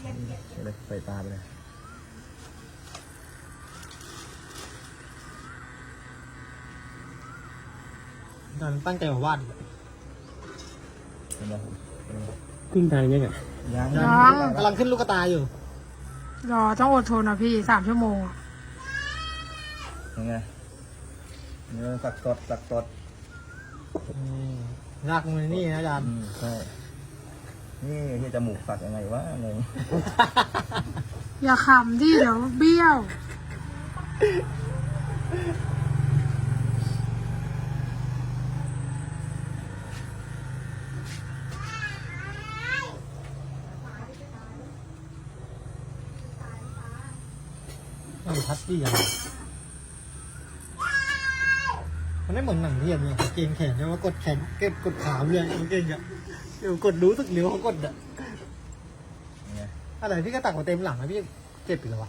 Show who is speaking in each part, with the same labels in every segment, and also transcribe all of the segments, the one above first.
Speaker 1: เลยใส่ตาไปเลย
Speaker 2: ตอนตั้งใจมาวาด
Speaker 1: เห็นไหม
Speaker 3: ครึ่งทางยังไง
Speaker 1: ยัง
Speaker 2: กำลังขึ้นลูกตาอยู่
Speaker 4: รอต้องอดทนนะพี่3 ชั่วโมง
Speaker 1: ยังไงนี่สักสด
Speaker 2: รากมันนี่นะอาจารย์
Speaker 1: ใช่นี่ที่จมูกสักยังไงวะงง
Speaker 4: อย่าขำที่เดี๋ยวเบี้ยว
Speaker 2: มันทัดดี้อะไรมันไม่เหมือนหนังเทียมเนี่ยเกงแขนใช่ไหมกดแขนกดขาเลยเกงอ่ะเดี๋ยวกดรู้สึกเลี้ยวเขากดอ่ะ
Speaker 1: ยังไง
Speaker 2: อะไรพี่ก็ตักมาเต็มหลังนะพี่เจ็บอีกแล้ววะ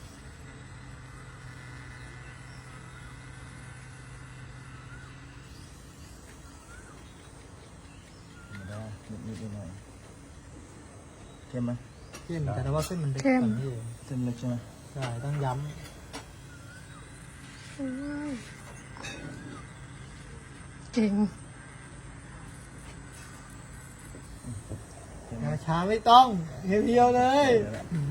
Speaker 1: ไม่ได้นิดหน่อยเข้มไหม
Speaker 2: เข้มแต่ว่าเส้นมันเด็ก
Speaker 4: เข้ม
Speaker 2: กว่านี้
Speaker 1: เส้นเล็กใช่ไหม
Speaker 2: ใช่ต้องย้
Speaker 4: เก่ง
Speaker 2: ำช้าไม่ต้องเพียวๆเลย
Speaker 1: เดี๋ยวละ